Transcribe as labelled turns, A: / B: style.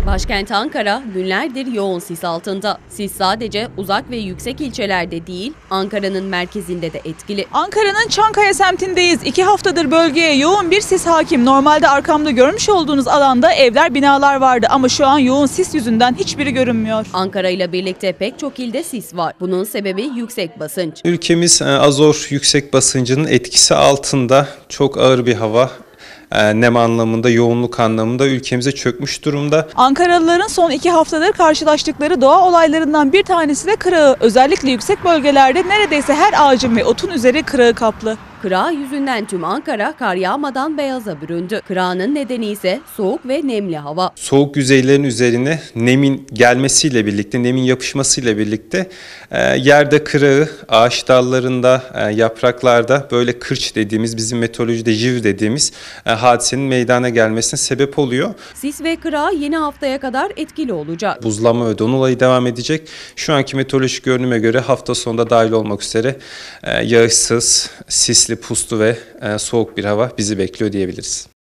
A: Başkent Ankara günlerdir yoğun sis altında. Sis sadece uzak ve yüksek ilçelerde değil, Ankara'nın merkezinde de etkili.
B: Ankara'nın Çankaya semtindeyiz. 2 haftadır bölgeye yoğun bir sis hakim. Normalde arkamda görmüş olduğunuz alanda evler, binalar vardı ama şu an yoğun sis yüzünden hiçbiri görünmüyor.
A: Ankara ile birlikte pek çok ilde sis var. Bunun sebebi yüksek basınç.
C: Ülkemiz azot yüksek basıncının etkisi altında, çok ağır bir hava. Nem anlamında, yoğunluk anlamında ülkemize çökmüş durumda.
B: Ankaralıların son 2 haftadır karşılaştıkları doğa olaylarından bir tanesi de kırağı. Özellikle yüksek bölgelerde neredeyse her ağacın ve otun üzeri kırağı kaplı.
A: Kırağı yüzünden tüm Ankara kar yağmadan beyaza büründü. Kırağının nedeni ise soğuk ve nemli hava.
C: Soğuk yüzeylerin üzerine nemin gelmesiyle birlikte, nemin yapışmasıyla birlikte yerde kırağı, ağaç dallarında, yapraklarda böyle kırç dediğimiz, bizim meteorolojide jiv dediğimiz hadisenin meydana gelmesine sebep oluyor.
A: Sis ve kırağı yeni haftaya kadar etkili olacak.
C: Buzlanma ve don olayı devam edecek. Şu anki meteorolojik görünüme göre hafta sonunda dahil olmak üzere yağışsız, sisli, puslu ve soğuk bir hava bizi bekliyor diyebiliriz.